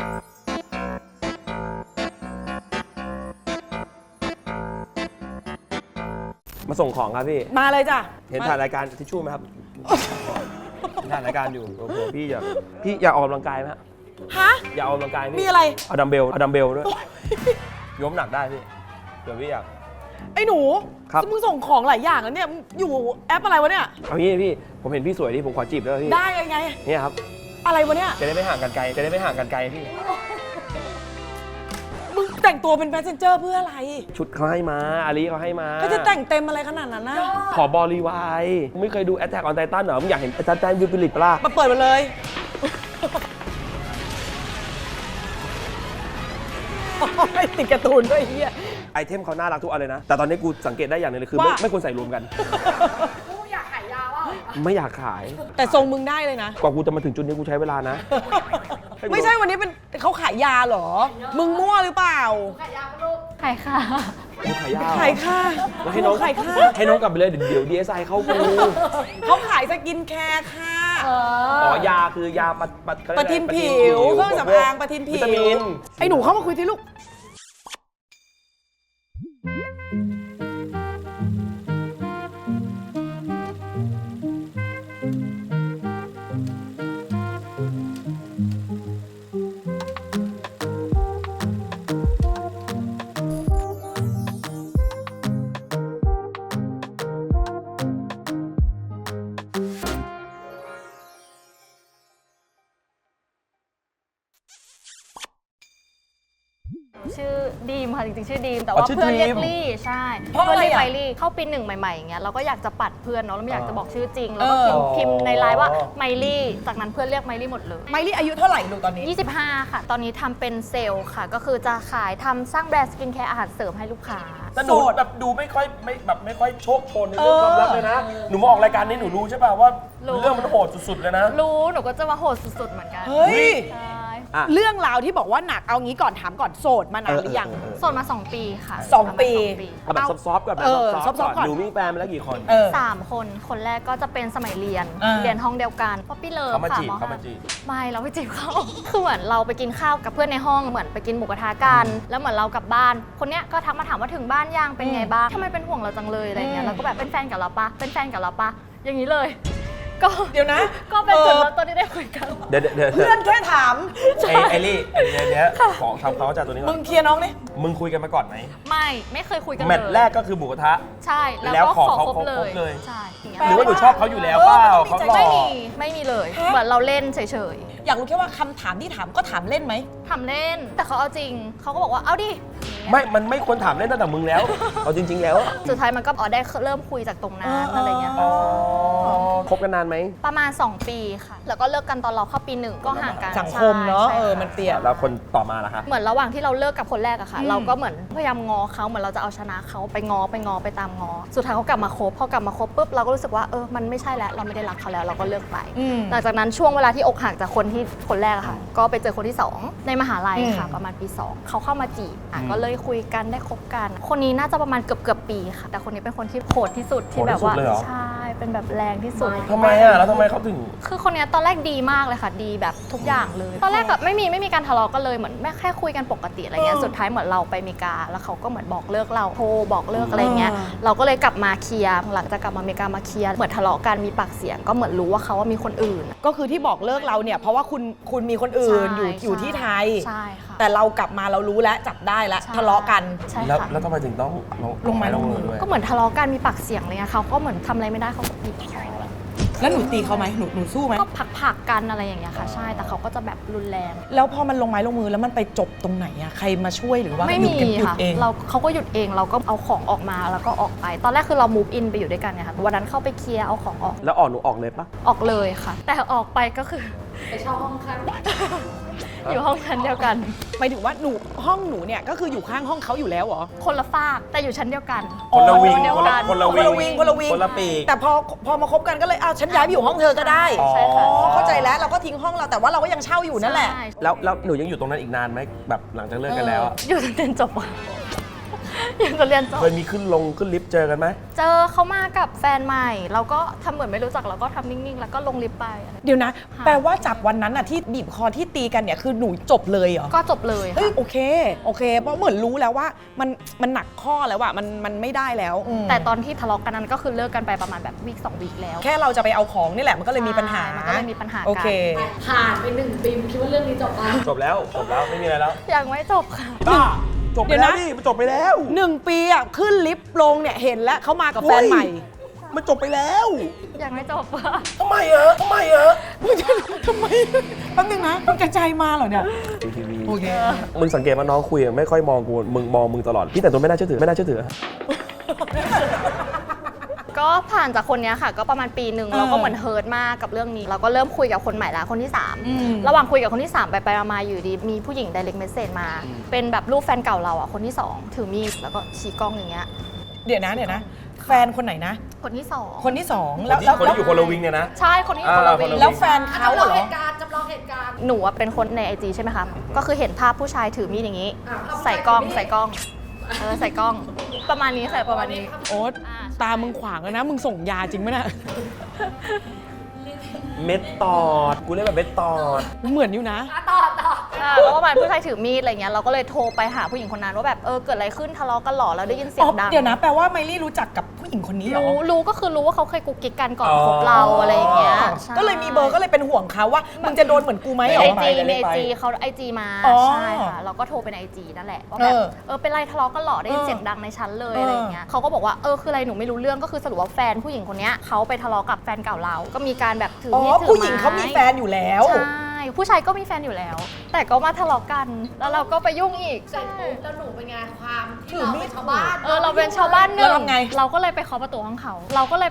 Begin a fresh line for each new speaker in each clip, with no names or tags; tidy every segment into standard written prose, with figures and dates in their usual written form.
มาส่งของครับพี่
มาเลยจ้ะ
เห็นถ่ายรายการทิชชู่ไหมครับถ่ายรายการอยู่โอ้โหพี่อยากออกกำลังกายไหม
ฮะ
อยากออกกำลังกาย
มีอะไร
เอาดัมเบลด้วยยกหนักได้พี่เดี๋ยวพี่อยาก
ไอ้หนู
ครับ
มึงส่งของหลายอย่างแล้วเนี่ยอยู่แอปอะไรวะเนี่ย
เอางี้พี่ผมเห็นพี่สวยดิผมขอจีบด้วยพี่
ได้ไง
เนี่ยครับ
อะไรวะเนี่ย
จะได้ไม่ห่างกันไกลพี่
มึงแต่งตัวเป็นแพสเซนเจอร์เพื่ออะไร
ชุดเขาให้มาอาลีเขาให้มา
ก็จะแต่งเต็มอะไรขนาดนั้นนะ
ขอบริวารมึงไม่เคยดู Attack on Titan เหรอมึงอยากเห็นอาจารย์แตนวิปริตปะล่ะ
มาเปิดมาเลยติดการ์ตูนด้วยเฮีย
ไอเทมเขาน่ารักทุกอันเลยนะแต่ตอนนี้กูสังเกตได้อย่างนึงเลยคือไม่ควรใส่รวมกัน
กูอยากขายยาว่า
ไม่อยากขาย
แต่ทรงมึงได้เลยนะ
กว่ากูจะมาถึงจุดนี้กูใช้เวลานะ
ไม่ใช่วันนี้เป็นเขาขายยาเหรอมึงมั่วหรือเปล่า
ขายยาปะลูกขายค่ะ
ขายยา
ขายค่ะ
ให้น้อง
ขายค่ะ
ให้น้องกลับไปเลยเดี๋ยว DSI เข้ากู
เขาขายสกินแคร์ค่ะ
อ๋อยาคือยา
ปะทินผิวเครื่องสำอางปะทินผิวไอ้หนูเข้ามาคุยที่ลูก
ชื่อดีมค่ะจริงๆชื่อดีมแต่ว่าเพื่อนเรียกลี่ใช่เพื่อนเรียกไมลี่เข้าปี1ใหม่ๆอย่างเงี้ยเราก็อยากจะปัดเพื่อนเนาะเราไม่อยากจะบอกชื่อจริงแล้วก็พิมพ์ในไลน์ว่าไมลี่จากนั้นเพื่อนเรียกไมลี่หมดเลย
ไมลี่อายุเท่าไหร่ลูกตอนนี้
25ค่ะตอนนี้ทำเป็นเซลล์ค่ะก็คือจะขายทำสร้างแบรนด์สกินแคร์อาหารเสริมให้ลูกค้า
แต่หนูแบบดูไม่ค่อยโชคโชนในเรื่องความรักเลยนะหนูมาออกรายการนี้หนูรู้ใช่ป่ะว่าเรื่องมันโหดสุดๆเลยนะ
รู้หนูก็จะมาโหดสุดๆเหมือนกัน
เฮ้ย
เ
รื่องราวที่บอกว่าหนักเอางี้ก่อนถามก่อนโสดมานานหรือยัง
โสดมา2 ปีค่ะ
2 ปี
แบบซอฟต์ก่อนแบบซอฟต์ก่อนหนูมีแฟนมาแล้วกี่คน
3 คนคนแรกก็จะเป็นสมัยเรียนห้องเดียวกันป๊อปปี้เลิฟค่ะ
เขามาจีบ
ไม่เราไปจีบเขาคือเหมือนเราไปกินข้าวกับเพื่อนในห้องเหมือนไปกินหมูกระทะกันแล้วเหมือนเรากลับบ้านคนเนี้ยก็ทักมาถามว่าถึงบ้านยังเป็นไงบ้างทำไมเป็นห่วงเราจังเลยอะไรเงี้ยแล้วก็แบบเป็นแฟนกับเราปะอย่างนี้เลยก็
เดี๋ยวนะ
ก็เป็นจุดเริ่มต้นที่ได้คุยกัน
เดี๋ยว
เพื่อนแค่ถาม
ไอลี่เนี้ยของทำเขาจากตัวนี้ก่อน
มึงเคลียร์น้องนี่
มึงคุยกันมาก่อนไหม
ไม่เคยคุยกันเลย
แมตช์แรกก็คือหมูกระทะ
ใช่แล้วก็ขอคบเลยใช่
หรือว่าหนูชอบเขาอยู่แล้วเปล่าเขาหล่อ
ไม่มีเลยเหมือนเราเล่นเฉย
ๆอยากรู้แค่ว่าคำถามที่ถามก็ถามเล่นไหม
ถามเล่นแต่เขาเอาจริงเขาก็บอกว่าเอาดิ
มันไม่ควรถามเล่นตั้งแต่มึงแล้วเอาจริงๆแล้ว
สุดท้ายมันก็ได้เริ่มคุยจากตรงนั้นอะไรเงี้ย
คบกันนานไหม
ประมาณ2 ปีค่ะแล้วก็เลิกกันตอนเราเข้าปี1ก็ห่างกัน
สังคมเนาะมันเปลี่ยน
แล้วคนต่อมาล่ะคะ
เหมือนระหว่างที่เราเลิกกับคนแรกอะค่ะเราก็เหมือนพยายามงอเขาเหมือนเราจะเอาชนะเขาไปงอไปตามงอสุดท้ายเขากลับมาคบพอกลับมาคบปุ๊บเราก็รู้สึกว่ามันไม่ใช่แล้วเราไม่ได้รักเขาแล้วเราก็เลิกไปหลังจากนั้นช่วงเวลาที่อกหักจากคนแรกอะค่ะก็ไปเจอคนที่2ในมหาลัยค่ะประมาณปี2เขาเข้ามาจีบก็เลยคุยกันได้คบกันคนนี้น่าจะประมาณเกือบปีค่ะแต่คนนี้เป็นคนที่โหดที่สุดที่แบบว่าใช่เป็นแบบแรงที่สุด
ทำไมอะแล้วทำไมเขาถึง
คือคนนี้ตอนแรกดีมากเลยค่ะดีแบบทุกอย่างเลยตอนแรกแบบไม่มีการทะเลาะกันเลยเหมือนแค่คุยกันปกติอะไรเงี้ยสุดท้ายเหมือนเราไปอเมริกาแล้วเขาก็เหมือนบอกเลิกเราโทรบอกเลิกอะไรเงี้ยเราก็เลยกลับมาเคลียร์หลังจากกลับมาอเมริกามาเคลียร์เหมือนทะเลาะกันมีปากเสียงก็เหมือนรู้ว่าเขาว่ามีคนอื่น
ก็คือที่บอกเลิกเราเนี่ยเพราะว่าคุณมีคนอื่นอยู่ที่ไทย
ใช่ค่ะ
แต่เรากลับมาเรารู้แล้วจับได้แล้วทะเลาะกัน
ใช่ค่ะ
แล้วทำไมถึงต้องลงไม้ลงมือด้วย
ก็เหมือนทะเลาะกันมีปากเสียงเลยเขาก็เหมือนทำอะไรไม่ได้เขาก็บีบคอ
แล้วหนูตีเขาไหมหนูสู้ไหม
ก็ผักกันอะไรอย่างเงี้ยค่ะใช่แต่เขาก็จะแบบรุนแรง
แล้วพอมันลงไม้ลงมือแล้วมันไปจบตรงไหนอะใครมาช่วยหรือว่า
ไม่มีค่ะเขาก็หยุดเองเราก็เอาของออกมาแล้วก็ออกไปตอนแรกคือเรา move in ไปอยู่ด้วยกันเนี่ยค่ะวันนั้นเข้าไปเคลียร์เอาของออก
แล้วหนูออกเลยปะ
ออกเลยค่ะแต่ออกไปก็คือไปเช่าห้องข้างอยู่ห้องชั้นเดียวกัน
หมายถึงว่าห้องหนูเนี่ยก็คืออยู่ข้างห้องเขาอยู่แล้วเหรอ
คนละฝากแต่อยู่ชั้นเดียวกัน
คนละวิง
คนละวิง
คนละปี
แต่พอมาคบกันก็เลยฉันย้ายไปอยู่ห้องเธอก็ได้
ใช่ค่ะ
เข้าใจแล้วเราก็ทิ้งห้องเราแต่ว่าเราก็ยังเช่าอยู่นั่นแหละ
แล้วหนูยังอยู่ตรงนั้นอีกนานไหมแบบหลังจากเลิกกันแล้ว
อยู่จนจบอยากจะเรียนจบ
เคยมีขึ้นลิฟต์เจอกันไหม
เจอเขามากับแฟนใหม่ เราก็ทำเหมือนไม่รู้จักเราก็ทำนิ่งๆ แล้วก็ลงลิฟต์ไปอะไร
เดี๋ยวนะ แปลว่าจากวันนั้นอะที่บีบคอที่ตีกันเนี่ยคือหนูจบเลยเหรอ
ก็จบเลย
เฮ้ย
ค่ะ
โอเคเพราะเหมือนรู้แล้วว่ามันหนักข้อแล้วอะมันไม่ได้แล้ว
แต่ตอนที่ทะเลาะกันนั้นก็คือเลิกกันไปประมาณแบบวีค2 วีคแล้ว
แค่เราจะไปเอาของนี่แหละมันก็เลยมีปัญหา
มันก็เลยมีปัญหากัน
โอเค
ผ่านไป1 ปีคิดว่าเรื่องนี้จบแล้ว
จบแล้วไม่มีอะไรแล้ว
ยังไม่จบค่ะ
บ้าจบไป
เดี๋ยว
แล้ว
นะ
นี่มันจบไปแล้ว
1 ปีอะขึ้นลิฟต์ลงเนี่ยเห็นแล้วเขามากับแฟนใหม่
มันจบไปแล้ว
ยังไม่จบค่ะ
ทำไมอะ
ทำไมแป๊บนึงนะมึงกระจายมาเหรอเนี่ยโอเค
มึงสังเกตว่าน้องคุยอะไม่ค่อยมองกูมึงมองมึงตลอดพี่แต่ตัวไม่น่าเชื่อถือ
ก็ผ่านจากคนเนี้ยค่ะ ก็ประมาณปีหนึ่งเราก็เหมือนเฮิร์ตมากกับเรื่องนี้เราก็เริ่มคุยกับคนใหม่ละคนที่ 3 ระหว่างคุยกับคนที่ 3 ไปมาอยู่ดีมีผู้หญิง direct message มา เป็นแบบรูปแฟนเก่าเราอ่ะคนที่ 2 ถือมีดแล้วก็ชี้กล้องอย่างเงี้ย
เดี๋ยวนะแฟนคนไหนนะ
คนที่ 2
คนที่สอง
คนที่อยู่คนละวิงเนี่ยนะ
ใช่คนที่อยู่คนละวิง
แล้วแฟนเขา
จำลอง
เหร
เห
อ
ตุการณ์จำลองเหตุการณ์
หนูอะเป็นคนใน IG ใช่ไหมคะก็คือเห็นภาพผู้ชายถือมีดอย่างงี้
อ่าภาพผู้ชาย
ใส่กล้อง
ถือมีด
ใส่กล้องใส่กล้องประมาณนี้ค่ะประมาณนี้
โอ๊ต
อ่า
ตามึงขวางแล้วนะมึงส่งยาจริงไหมน่ะ
เม็ดตอดกูเรียกแบบเม็ดตอด
เหมือนอยู่นะ
ต่อ
แล้วประมาณผู้ชายถือมีดอะไรเงี้ยเราก็เลยโทรไปหาผู้หญิงคนนั้นว่าแบบเกิดอะไรขึ้นทะเลาะกันหรอแล้วได้ยินเสีย
อ๋
ง
อ
ดัง
เดี๋ยวนะแปลว่าไมลี่รู้จักกับผู้หญิงคนนี้เหรอ
รู้ก็คือรู้ว่าเขาเคยกุ๊กกิ๊กกันก่อนคบเราอะไรอย่างเงี้ยใช่
ก็เลยมีเบอร์ก็เลยเป็นห่วงเขาว่ามึงจะโดนเหมือนกูไหมเหร
ไอ
อ
จี
ไป
ในไอจีเขาไอจีมา
อ๋อ
ใช่ค่ะเราก็โทรไปในไอจีนั่นแหละว่าแบบเป็นไรทะเลาะกันหรอได้ยินเสียงดังในชั้นเลยอะไรอย่างเงี้ยเขาก็บอกว่าคืออะไรหนูไม่รู้เรื่องก็คือสรุปว่าแฟนผู้หญิงคนเนี้ยเขาไปทะเลาะกับแฟนเก่าเราก็มีการแบบถือ
อ๋อ
มีดถือไม้
ผู้หญิงเขามีแฟนอยู่แล้ว
ใช่ผู้ชายก็มีแฟนอยู่แล้ว แต่ก็มาทะเลาะกันแล้วเราก็ไปยุ่งอีก
เสร็จปุ๊บแล้วหนูเป็นไงความที่
ถือ
เรา
มีด
เป็นชาวบ้าน
เราเป็นชาวบ้านหนึ่ง
แล้วทำไง
เราก็เลยไปเคาะประตูห้องเขา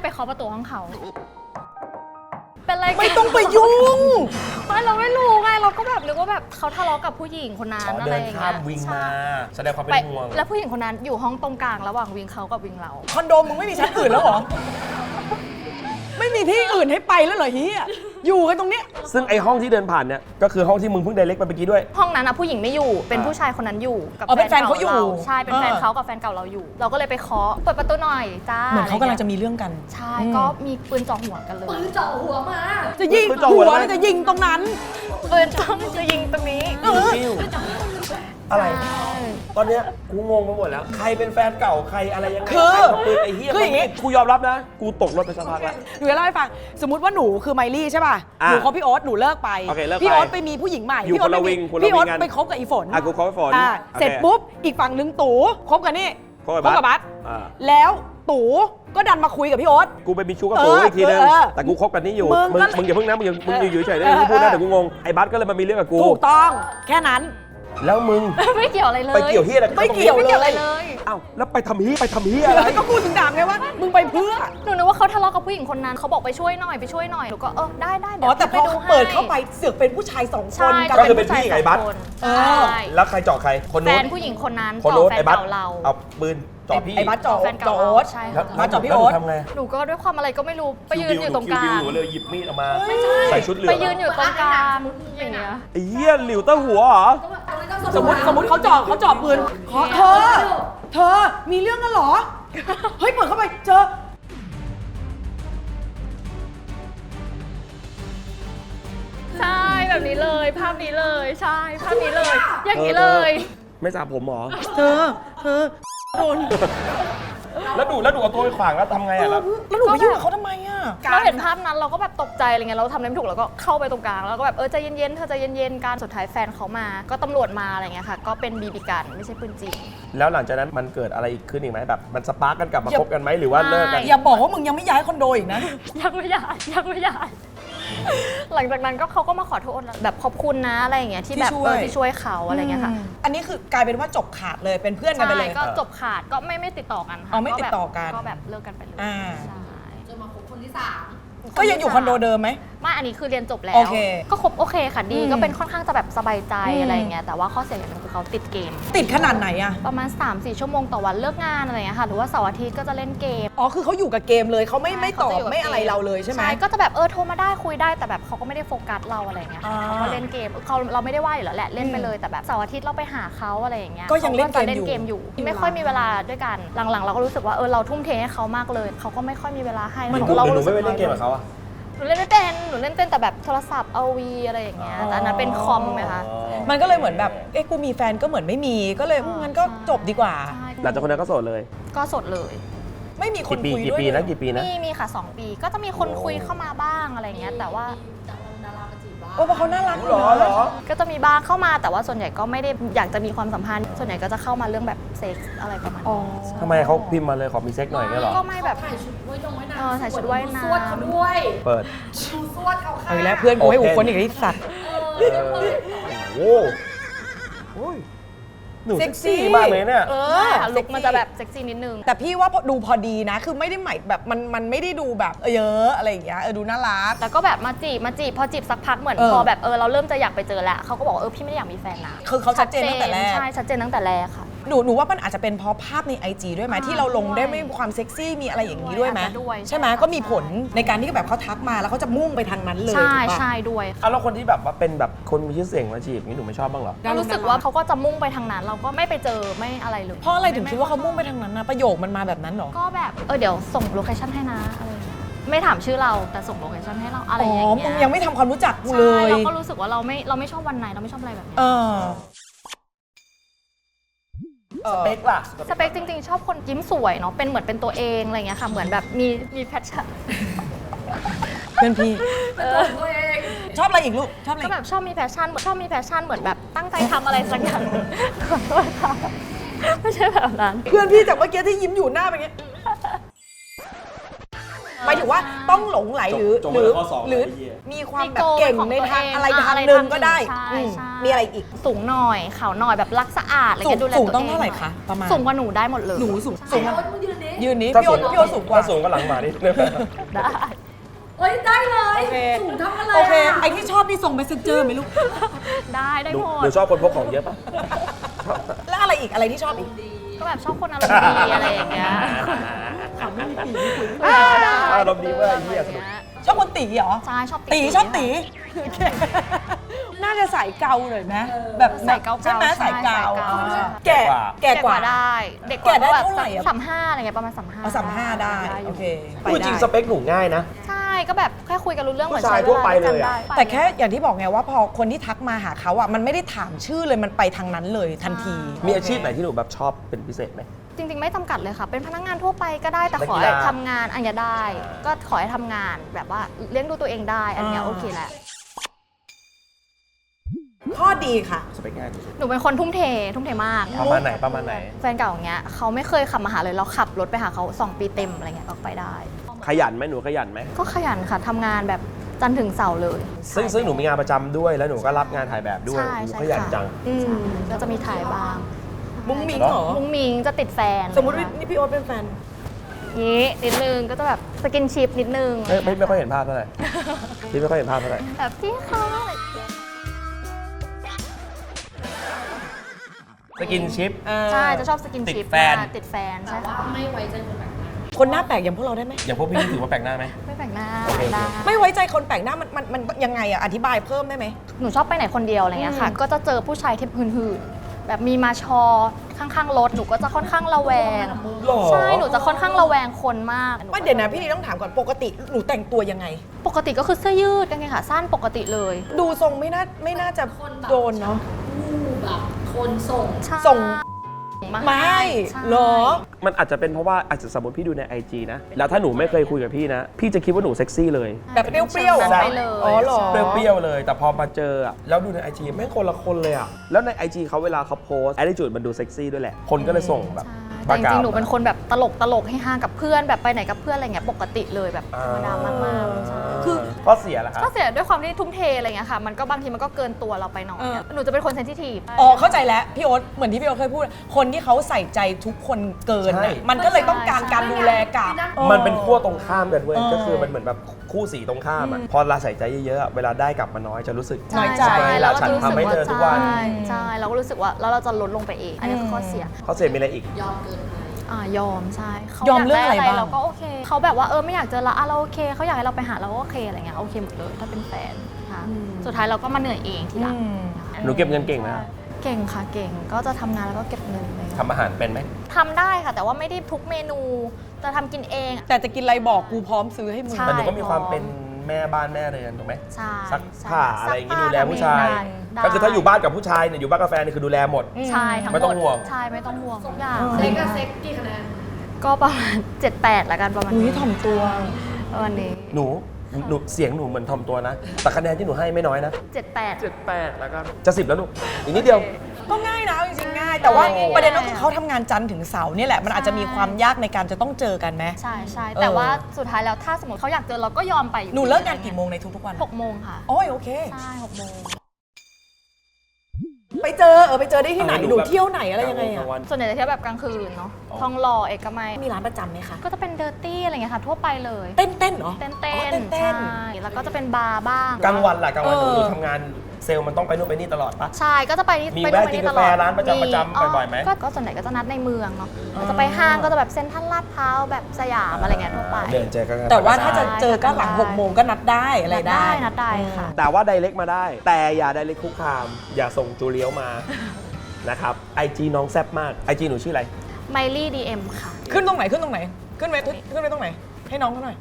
เป็นไรกัน
ไม่ต้องไปยุ่ง
ไม่เราไม่รู้ไงเราก็แบบนึกว่าแบบเขาทะเลาะกับผู้หญิงคนนั้น
ขอ
อะไร
เดิน
อย่าง
ข้า
เงี้
ม
ย
วิง
ใช่
มาแสดงความเป็น
ไป
ห่วง
แล้วผู้หญิงคนนั้นอยู่ห้องตรงกลางระหว่างวิงเขากับวิงเรา
คอนโดมึงไม่มีชั้นอื่นแล้วเหรอ ไม่มีที่อื่นให้ไปแล้วเหรอเฮียอยู่กันตรงเนี้ย
ซึ่งไอห้องที่เดินผ่านเนี่ยก็คือห้องที่มึงเพิ่งไดเรกไปเมื่อกี้ด้วย
ห้องนั้นอะผู้หญิงไม่อยู่เป็นผู้ชายคนนั้นอยู่กับ
อ๋อเป็นแฟนเขาอยู่
ใช่เป็นแฟนเขากับแฟนเก่าเราอยู่ เราก็เลยไปเคาะเปิดประตูหน่อยจ้า
เหมือนเขากำลังจะ
อไร
มีเรื่องกัน
งี้ยใช่ก็มีปืนจ่อหัวกันเลย
ปืนเจาะหัวมา
จะยิง
ปืนจ่อหั
หั
ว
ว
แล้ว
แล้วจะยิงตรงนั้น
ปืนจ้องจะยิงตรงนี้
อะไร ตอนเนี้ยกูงงไปหมดแล้ว ใครเป็นแฟนเก่าใครอะไรยังไง
คือ
ใครทำปืนไอ้เหี้ย
คืออย่างงี้
กูยอมรับนะ กูตกรถไปสักพักแล้ว
หนูจะเล่าให้ฟัง สมมติว่าหนูคือไมลี่ใช่ป่ะ
อ่ะ
หนูคบพี่โอ๊ตหนูเลิกไป
โอเคเลิกไป
พี่โอ๊ตไปมีผู้หญิงใหม่
อยู่
พี่โอ๊ต
คนละ
ไปมี
วิงคนละ
พี่โอ๊ต
วิงกัน
ไปคบกับอีฝน
กูคบกับฝน
อ่ะ
โอค
เสร็จปุ๊บอีกฝั่งนึงตู่คบกับนี่
คบกับบัส อ่า
แล้วตู่ก็ดันมาคุยกับพี่โอ๊ต
กูไปมีชู้กับกูอีกทีนึง แต่กูคบกันนี่อยู่
มึงก็
มึงอย่าเพิ่งนะมึงอยู่เฉยๆนะมึงพูดนะเดี๋ยวกูงง ไอ้บัสก็เลยมามีเรื่องกับกู
ถูกต้องแค่นั้น
แล้วมึง
ไม่เกี่ยวอะไรเลย
ไปเกี่ยวเฮียอะไรบ
ไม่เกี่ยว
ไม่เกี่ยวอะไรเลย
อ้าวแล้วไปทำเฮียอะไร
ก็พูดถึงด่างไงว่า มึงไปเพื่อ
หนูนึกว่าเขาทะเลาะกับผู้หญิงคนนั้นเขาบอกไปช่วยหน่อยหนูก็ได้เดี๋
อ๋
ย
อ
ว
แต่พ
ไป
อ
ดูให้
เปิดเข้าไปเสือกเป็นผู้ชายสองค
ใช่
นกัน
ก็คือเป็นพี่ไงบัส
ใช่
แล้วใครเจาะใคร คน
แฟ
นู้น
นผู้หญิงคนนั้น
คน
ต่
นู้
อน แฟน
ไอ้บัส
เก่าเรา
เอาปืนเจาะพี่
ไอ้บัสจ่อ
แฟนเก่า
จ่อโอ๊ต
ใช่
แล้ว
ค่ะ
บัสเจาะพี่
แล้ว
โอ๊ต
ทำไง
หนูก็ด้วยความอะไรก็ไม่รู้ไปยืนอยู่ตรงกลาง
หนูเลยหยิบมีดออกมาใส่ชุดเหลือง
ไปยืนอยู่ตรงกลางอย่างเงี้ย
ไอ้เหี้ยหลิวเต้าหัวเหรอ
สมมติเขาจ่อปืนเธอมีเรื่องกันเหรอ เฮ้ยเปิดเข้าไปเจอ
ใช่แบบนี้เลยภาพนี้เลยใช่ภาพนี้เลย อย่างนี้เลย
ไม่สระผมเหรอ
เธอโดน
แล้วดูเอาตัวไปขวางแล้วทำไงอ่ะแล้ว
แล้วหนูไปยุ่งกับเขาทำไมอ่ะ
เราเห็นภาพนั้นเราก็แบบตกใจอะไรเงี้ยเราทำอะไรไม่ถูกเราก็เข้าไปตรงกลางแล้วก็แบบใจเย็นๆเธอใจเย็นๆกันสุดท้ายแฟนเขามาก็ตำรวจมาอะไรเงี้ยค่ะก็เป็นบีบีกันไม่ใช่ปืนจริง
แล้วหลังจากนั้นมันเกิดอะไรอีกขึ้นอีกไหมแบบมันสปาร์กกันกลับมาคบกันไหมหรือว่าเลิกกัน
อย่าบอกว่ามึงยังไม่ย้ายคอนโดอีกนะ
ยังไม่ย้ายหลังจากนั้นก็เขาก็มาขอโทษแบบขอบคุณนะอะไรอย่างเงี้ยที่แบบ
ที่ช่วย
ที่ช่วยเขาอะไรเงี้ยค่ะ
อันนี้คือกลายเป็นว่าจบขาดเลยเป็นเพื่อนกันไปเลย
ใช่ก็จบขาดก็ไม่ติดต่อกันค่ะ
อ๋อไม่ติดต่อกัน
ก็แบบเลิกกันไปเลย
อ่า
ใช่
จนมาคบคนที่ 3
ก็ยังอยู่คอนโดเดิมไหม
ไม่อันนี้คือเรียนจบแล้
โอ
ว
เค
ก็ครบโอเคค่ะดี
อืม
ก็เป็นค่อนข้างจะแบบสบายใจ
อืม
อะไรอย่างเงี้ยแต่ว่าข้อเสียอย่างหนึงคือเขาติดเกม
ติดขนาดไหนอะ
ประมาณ 3-4 ชั่วโมงต่อวันเลิกงานอะไรอย่างเงี้ยค่ะหรือว่าเสาร์อาทิตย์ก็จะเล่นเกม
อ๋อคือเขาอยู่กับเกมเลยเขาไม่
ใช่
ไม่ตอบ
เขาจะอยู่กับ
ไม่อะไร
เกม
เราเลยใช่ไหม
ก็จะแบบโทรมาได้คุยได้แต่แบบเขาก็ไม่ได้โฟกัสเราอะไรอย่างเงี้ยค่ะ
อ่า
เขาก็เล่นเกมเราไม่ได้ว่าอยู่แล้วแหละเล่นไปเลยแต่แบบเสาร์อาทิตย์เราไปหาเขาอะไรอย่างเงี้ย
ก็ยังเล่นเกม
ขาจะเล่นเกมอยู่ไม่ค่อยมีเวลาด้วยกันหลังๆ เราก็รู้สึกว่าเราทุ่มเทให้เขามากเลยเขาก็ไม่ค่อยมีเวลาให้
หนู
เรา
หนู
รู้สึ
ไม่
ก
ไปเล่นเกมกับเขาอะ
หนูเล่นไม่เป็นหนูเล่นเป็นแต่แบบโทรศัพท์เอาวีอะไรอย่างเงี้ยแต่อันนั้นเป็นคอมไหมคะ
มันก็เลยเหมือนแบบกูมีแฟนก็เหมือนไม่มีก็เลยงั้นก็จบดีกว่า
ใช่
หลังจากคนนั้นก็โสดเลย
ก็สดเลย
ไม่มีคน
กี่ปี
คุย
กี่
ด้วย
ปีนะกี่ปีนะ
มีค่ะ 2 ปีก็จะมีคนคุยเข้ามาบ้างอะไรเงี้ยแต่ว่า
จากดารามาจีบบ้าง
โอ้เพราะเขาน่ารัก
หรอเหรอ
ก็จะมีบ้างเข้ามาแต่ว่าส่วนใหญ่ก็ไม่ได้อยากจะมีความสัมพันธ์ ส่วนใหญ่ก็จะเข้ามาเรื่องแบบเซ็กส์อะไรประมาณ
อ๋อ
นี้
ทำไมเขาพิมพ์มาเลยขอมีเซ็กหน่อยเงี้ยเหรอ
ก็ไม่แบบ
ถ่ายชุดว่ายน้ำ
ถ่ายชุดว่ายน้ำ
สวดเขาด้วย
เปิด
ดูสวดเขาค่ะ
เอาอีกแล้วเพื่อนกูให้อุคนอีกไอ้สัตว์
โอ้โหหนูเซ็กซี่มากเลยเนี่ย
ใช่ค่ะลุคมันจะแบบเซ็กซี่นิดนึง
แต่พี่ว่าดูพอดีนะ คือไม่ได้หมายแบบมันไม่ได้ดูแบบเยอะอะไรอย่างเงี้ยดูน่ารัก
แล้วก็แบบมาจีบพอจีบสักพักเหมือน
เออ
พอแบบเราเริ่มจะอยากไปเจอแล้วเขาก็บอกว่าพี่ไม่ได้อยากมีแฟนนะ
คือเขาชัดเจนตั้งแต่แรก
ใช่ชัดเจนตั้งแต่แรกค่ะ
หนูว่ามันอาจจะเป็นเพราะภาพใน IG ด้วยไหมที่เราลงได้ไม่มีความเซ็กซี่มีอะไรอย่างนี้ด้วยไหม
อาจจะด้วย
ใช่ไหม
ใช่ค่ะ
ก็มีผลในการที่แบบเขาทักมาแล้วเขาจะมุ่งไปทางนั้นเลย
ใช่
ถูกปะ
ใช่ด้วยค่ะ
อ่ะแล้วคนที่แบบว่าเป็นแบบคนมีชื่อเสียงมาจีบนี้หนูไม่ชอบบ้างเหรอ
เรารู้สึกว่าเขาก็จะมุ่งไปทางนั้น เราก็ไม่ไปเจอไม่อะไรเลย
เพราะอะไรถึงคิดว่าเขามุ่งไปทางนั้นนะประโยคมันมาแบบนั้นเหรอ
ก็แบบเดี๋ยวส่งโลเคชั่นให้นะอะไรอย่างเงี้ยไม่ถามชื่อเราแต่ส่งโลเคชั่นให้เราอะไร
อ๋
อย่าง
อ
เงี้ย
มึงยังไม่ทำความรู้จักกูเล
ใช่
ย
เราก็รู้สึกว่าเราไม่ชอบวันไหนเราไม่ชอบอะไรแบบนี้
เออ
สเปคล่ะ
สเปคจริงๆ ชอบคนยิ้มสวยเนาะเป็นเหมือนเป็นตัวเองอะไรอย่างเงี้ยค่ะเหมือนแบบมีแพชชั่น
เพื่อนพี่
ตัวเอง
ชอบอะไรอีกลูกชอบอะไร
ก็
อีก
แบบชอบมีแพชชั่นเหมือนแบบตั้งใจทำอะไรสักอย่างขอโทษค่ะไม่ใช่แบบนั้น
เพื่อนพี่จากเมื่อกี้ที่ยิ้มอยู่หน้าเป็นไงหมายถึงว่าต้องหลงไหลหรือ
จง
หรือ
ข้อสอง
หรือ
ไอ้เหี้ย
มีความแบบเก่งในทางอะไรทางห
อะไร
นึ่งก็ได้
ใช่
อืม
ใช่
มีอะไรอีก
สูงหน่อยขาวหน่อยแบบรักสะอาดอะไรเงี้ยดูแล
สูง
ตัวเอง
ต้องเท่าไหร่คะประมาณ
สูงกว่าหนูได้หมดเลย
หนูสูง
ไอ้โอ๊ตมึงยืนดิ
ยืนนี้
ถ้า
พี่โอ๊
สู
ต
ง
พี่โอ๊ตสูงกว่า
ถ้าสูงก็หลังหมานิดนึง
ได้
เอ้ยได้เลย
โอเค
สูงเท่ากันเลย
โอเค
อะ
ไอที่ชอบนี่ส่งเมสเซนเจอร์ไหมลูก
ได้
หนู
หม
หนู
ด
ชอบคนพกของเยอะปะ
แล้วอะไรอีกอะไรที่ชอบอีก
ก็แบบชอบคนอารมณ์ดีอะไรอย่างเงี้ย
อารมณ์ดีมากไอ้เหี้ยสนุก
ชอบคนตีเหรอ
ใช่ชอบ
ตีชอบตีโอเคน่าจะสายเกาหน่อยไหมแบบ
ใส่เกา
ใช่ไหมสายเกา
ใช่
แก่แก่
แก่
ก
ก
ว่า
ว่าได้ เด็กก
แก่
ว่า
ได้
ก็แบบ
เท่าไหร่อะ
35อะไรเงี้ยประมาณ35
เอา35ได้โอเคไป
พูดจริงส
ได้
เปคหนูง่ายนะ
ใช่ก็แบบแค่คุยกันรู้เรื่องเหมือน
ผู้ชาย
ใช้
ทั่วไป
วาด้วยกัน
เลยอะ
ได้
แต่แค่อย่างที่บอกไงว่าพอคนที่ทักมาหาเขาอ่ะมันไม่ได้ถามชื่อเลยมันไปทางนั้นเลยทันที
มีอาชีพไหนที่หนูแบบชอบเป็นพิเศษไหม
จริง ๆ ไม่จำกัดเลยค่ะ เป็นพนักงานทั่วไปก็ได้แต่
นัก
ขอ
กี
ให้
ฬา
ทำงานอันเนี้ยได้ ก็ขอให้ทำงานแบบว่าเลี้ยงดูตัวเองได้อันเนี้ยโอเคแหละ
ข้อดีค่ะ
สเปคง่าย
หนูเป็นคนทุ่มเทมาก
ประมาณไหนประมาณไหน
แฟนเก่าอย่างเงี้ยเขาไม่เคยขับมาหาเลยเราขับรถไปหาเขา2 ปีเต็มอะไรเงี้ยก็ไปได้
ขยันไหมหนูขยันไหม
ก็ขยันค่ะทำงานแบบจันทร์ถึงเสาร์เลย
ซึ่งหนูมีงานประจำด้วยแล้วหนูก็รับงานถ่ายแบบด้วย
ใช่
หนู
ใช่
ขยัน
ค่ะ
จัง
อืม
ใช่ก็จะมีถ่ายบ้าง
มุ้งมิ้ง
เหรอ
เหรอ
มุ้งมิงจะติดแฟน
สมมติว่านี่พี่โอ๊ตเป็นแฟน
นี้นิดนึงก็จะแบบสกินชิปนิดนึง
ไม่ค่อยเห็นภาพเท่าไหร่ พี่ไม่ค่อยเห็นภาพเท่าไหร่
แบบพี่เขา
สกินชิป
ใช่จะชอบสกินชิป
ติดแฟน
มากติดแฟนใช่ค่ะ
ไม่ไว้ใจคนแบบนั้น
คนหน้าแปลกอย่างพวกเราได้ไหม
อย่างพวกพี่นี่ถือว่าแปลกหน้าไหม
ไม่แปลกหน้า
โอเค
ได้
ไม่ไว้ใจคนแปลกหน้ามันยังไงอะอธิบายเพิ่มได้ไหม
หนูชอบไปไหนคนเดียวอะไรเงี้ยค่ะ ก็จะเจอผู้ชายที่หื่นๆแบบมีมาชอข้างๆรถหนูก็จะค่อนข้างระแวง
หรอ
ใช่หนูจะค่อนข้างระแวงคนมาก
ไม่เดี๋ยวนะพี่นีต้องถามก่อนปกติหนูแต่งตัวยังไง
ปกติก็คือเสื้อยืดกางเกงขาสั้นปกติเลย
ดูทรงไม่น่าจะ
คนแบบ
โดนเนาะ
ผู้แบบคนส่ง
ใช่
ส่ง
มา
ไม่
ใช่
เหรอ
มันอาจจะเป็นเพราะว่าอาจจะสมมติพี่ดูใน IG นะ แล้วถ้าหนูไม่เคยคุยกับพี่นะ พี่จะคิดว่าหนูเซ็กซี่เลย
แบบเปรี้ยวๆ
แบบไปเลย
อ๋อเหรอ
เปรี้ยวๆเลย แต่พอมาเจออะแล้วดูใน IG แม่งคนละคนเลยอะแล้วใน IG เขาเวลาเขาโพสแอดดิจูดมันดูเซ็กซี่ด้วยแหละ คนก็เลยส่งแบบ
ใช่แต่จริงๆหนูเป็นคนแบบตลกให้ฮากับเพื่อนแบบไปไหนกับเพื่อนอะไรเงี้ยปกติเลยแบบธรรมดามากๆใช่
คือ
ข้อเสียล่ะครับ
ก็เสียด้วยความที่ทุ่มเทอะไรเงี้ยค่ะมันก็บางทีมันก็เกินตัวเราไปหน่อยอะหนูจะเป็นคนเซนซิทีฟ
อ๋อเข้าใจแล้วพี่โอ๊ตเหมือนที่พี่โอ๊ตเคยพูด คนที่เขาใส่ใจทุกคนเกิน
ใช่
น่ะมันก็เลยต้องการการดูแลกลับ
มันเป็นขั้วตรงข้ามกันเว้ย
เออ
ก็คือมันเหมือนแบบคู่สีตรงข้ามอ่ะพอเราใส่ใจเยอะๆเวลาได้กลับมาน้อยจะรู้สึก
น้อยใจ
ใช่
เราฉันทำให้เธอทุกวัน
ใช่เราก็รู้สึกว่าแล้วเราจะลดลงไปเองอันนี้คือข้อเสีย
ข้อเสียมีอะไรอีก
ยอมเกินไป
ยอมใช่เขา
ยอมเรื่องอะไรบ้าง
เราก็โอเคเขาแบบว่าไม่อยากเจอเราเราโอเคเขาอยากให้เราไปหาเราก็โอเคอะไรเงี้ยโอเคหมดเลยถ้าเป็นแฟนค่ะสุดท้ายเราก็มาเหนื่อยเองทีหลัง
หนูเก็บเงินเก่งไหม
เก่งค่ะเก่งก็จะทำงานแล้วก็เก็บเงินเลย
ทำอาหารเป็นไหม
ทำได้ค่ะ แต่ว่าไม่ได้ทุกเมนูจะทำกินเอง
แต่จะกินอะไรบอกกูพร้อมซื้อให้มึง
ใช่
แต่หนูก็มีความเป็นแม่บ้านแม่เรือนถูกไหม
ใช่
ซัก
ใช่
ผ้าอะไรอย่างงี้ดูแลผู้ชาย
ได้
ก็คือถ้าอยู่บ้านกับผู้ชายเนี่ยอยู่บ้านกาแฟนี่คือดูแลหมด
ใช่ทั้งหมด
ไม่ต้องห่วง
ใช่ไม่ต้องห่วงทุกอย่าง
เซ็กกับเซ็กกี่คะแนน
ก็ประมาณ 7-8ละกันประมาณ
อุ้ย
นี้
ถ่อมตัว
วันนี้
หนูเสียงหนูเหมือนทอมตัวนะ แต่คะแนนที่หนูให้ไม่น้อยนะ
7-8
7-8แล้วกันจะ10แล้วลูกอีกนิดเดียว
ก็ง่ายนะจริงๆง่าย แต่ว่า
โอ้
ประเด็นก็คือเขาทำงานจันทร์ถึงเสาร์เนี่ยแหละมันอาจจะมีความยากในการจะต้องเจอกันไหม
ใช่ใช่แต่ว่าสุดท้ายแล้วถ้าสมมติเขาอยากเจอเราก็ยอมไปอยู่
หนูเลิกงานกี่โมงในทุกๆวัน
6 โมงค่ะ
โอ้ยโอเค
ใช่6 โมง
ไปเจอได้ที่ไหนหนูเที่ยวไหนอะไรยังไง
ก
อะ
ลางวัน
ส่วนใหญ่จะเที่ยวแบบกลางคืนเนาะทองหล่อเอกมัย
มีร้านประจำไหมคะ
ก็จะเป็นเดอร์ตี้อะไรเงี้ยค่ะทั่วไปเลย
เต้นเหรอ
เต้น
อ๋อ
ๆ
เต้
ใช่
น
แล้วก็จะเป็นบาร์บ้าง
กลางวันล่ะกลางวันหนู
เออ
ทำงานเซลล์มันต้องไปนู่นไปนี่ตลอดปะ
ใช่ก็จะไปนี่
มี
ไป
แวะ
ไป
กิน
นี่
กา
ต
แฟ
ลอด
ร้านประจำบ่อยๆไหม
ก็ส่วนใหญ่ก็จะนัดในเมืองเนาะก็จะไปห้างก็จะแบบเซ็นทรัลลาดพร้าวแบบสยามอะไรเงี้ยทั่วไป
เดินเจอกัน
แต่ว่าถ้าจะเจอก็หลัง6 โมงก็นัดได้อะไรได้
นัดได้ค่ะ
แต่ว่าไดเรกมาได้ แต่อย่าไดเรกคุกคาม อย่าส่งจูเลียวมา นะครับไอจีน้องแซ่บมากไอจีหนูชื่ออะไร
ไมลี่ดีเอ็มค่ะ
ขึ้นตรงไหนขึ้นไปตรงไหน ให้น้องเขาหน่อย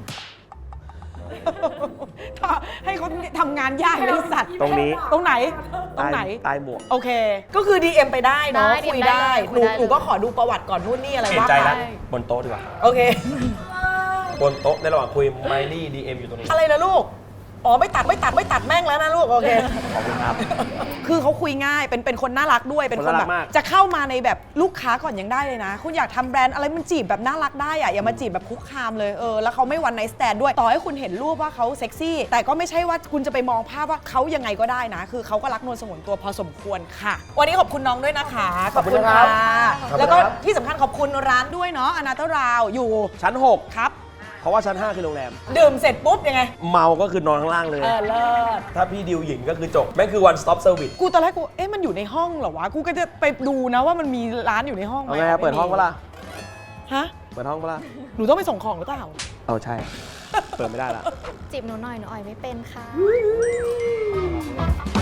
ให้เขาทำงานยากเลยสัตว์
ตรงนี้
ตรงไหน ตรงไหน
ใต้หมวก
โอเค ก็คือ DM ไปได้เนาะ
ได้
คุย
DM
ได้
ได้
หนู
คุยได้
หนูก็ขอดูประวัติก่อนนู่นนี่อะไร
เปลี่ย
ว่าน
ใจ
ไป
แล้วบนโต๊ะดีกว่า
โอเค
บนโต๊ะในระหว่างคุยไมลี่ดีเอ็มอยู่ตรงนี้
อะไรนะลูก อ๋อไม่ตัดแม่งแล้วนะลูก โอเค
ขอบคุณครับ
คือเขาคุยง่ายเป็นคนน่ารักด้วยเป็นคน
น่ารั
แบ
ก
บ
มาก
จะเข้ามาในแบบลูกค้าก่อนยังได้เลยนะ คุณอยากทำแบรนด์อะไรมันจีบแบบน่ารักได้อะอย่ามาจีบแบบคุกคามเลยแล้วเขาไม่วันไนท์สแตนด้วยต่อให้คุณเห็นรูปว่าเขาเซ็กซี่แต่ก็ไม่ใช่ว่าคุณจะไปมองภาพว่าเขายังไงก็ได้นะ คือเขาก็รักนวลสงวนตัวพอสมควรค่ะ วันนี้ขอบคุณน้องด้วยนะคะ
ขอบคุณครับ ขอบคุณครับ
แล้วก็ที่สำคัญขอบคุณร้านด้วยเนาะอนาตราวอยู่
ชั้น 6
ครับ
เพราะว่าชั้น 5 คือโรงแรม
ดื่มเสร็จปุ๊บยังไง
เมาก็คือนอนข้างล่างเลย
เลิศ
ถ้าพี่ดิวหญิงก็คือจบแม่งคือ one stop service
กูตอนแรกกูมันอยู่ในห้องเหรอวะกูก็จะไปดูนะว่ามันมีร้านอยู่ในห้องไหม
เอาไงเปิดห้องปะล่ะ
ฮะ
เปิดห้องปะล่ะ
หนูต้องไปส่งของหรือเปล่า
เอาใช่ เปิดไม่ได้ละ
จีบหนูหน่อยหนูอ่อยไม่เป็นค่ะ